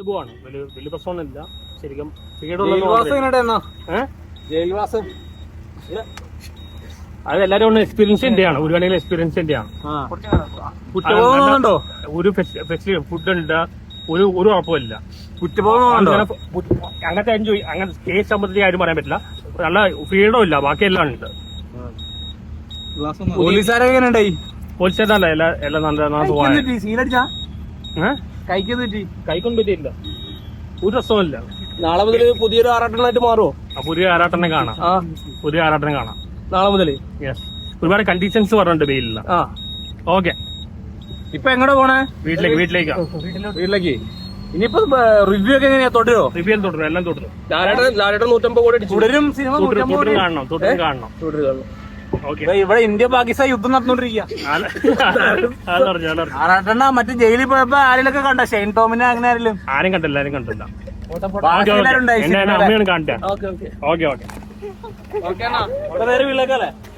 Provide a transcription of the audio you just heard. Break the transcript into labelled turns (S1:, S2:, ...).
S1: സുഖമാണ്, വലിയ പ്രശ്നമൊന്നുമില്ല. ശരിക്കും
S2: ജയിൽവാസം
S1: അത് എല്ലാരും ഒന്ന് എക്സ്പീരിയൻസിന്റെ ആണ്, ഒരു വേണമെങ്കിൽ എക്സ്പീരിയൻസിന്റെ ആണ്. ഒരു ഫുഡ് ഉണ്ട്, ഒരു ഉറപ്പില്ല. അങ്ങനത്തെ എൻജോയ്, അങ്ങനെ കേസ് സംബന്ധിച്ച് ആരും പറയാൻ പറ്റില്ല. നല്ല ഫ്രീഡം ഇല്ല, ബാക്കിയെല്ലാം ഉണ്ട്.
S2: പോലീസുകാരൊക്കെ
S1: പോലീസുകാരല്ല, എല്ലാം കൈക്കൊന്നും പറ്റിയില്ല, ഒരു രസമില്ല.
S2: നാളെ മുതൽ പുതിയൊരു ആറാട്ടനായിട്ട് മാറുമോ?
S1: പുതിയ ആറാട്ടനെ കാണാം, പുതിയ ആറാട്ടനെ കാണാം
S2: നാളെ മുതൽ.
S1: യെസ്, ഒരുപാട് കണ്ടീഷൻസ് പറഞ്ഞിട്ടുണ്ട് ബെയിലില്ല. ഓക്കെ,
S2: ഇപ്പൊ എങ്ങോട്ടാ പോണേ?
S1: വീട്ടിലേക്ക്.
S2: ഇനിയിപ്പോ റിവ്യൂ ഒക്കെ എങ്ങനെയാ? തുടരോ?
S1: റിവ്യൂ തുടരും, എല്ലാം തുടരും.
S2: ലാലേട്ടൻ 150 കോടി
S1: തുടരും. സിനിമ കാണണം.
S2: ഇവിടെ ഇന്ത്യ പാകിസ്ഥാൻ യുദ്ധം നടന്നുകൊണ്ടിരിക്കുക. മറ്റു ജയിലിൽ പോയപ്പോ ആരെയൊക്കെ കണ്ട? ഷെയ്ൻ ടോമിനെ അങ്ങനെ ആരെങ്കിലും?
S1: ആരും കണ്ടില്ല.
S2: ബാക്കി എല്ലാവരും
S1: അമ്മയാണ് കാണട്ടെ. ഓക്കെ
S2: നേരെ വീട്ടിലേക്കല്ലേ?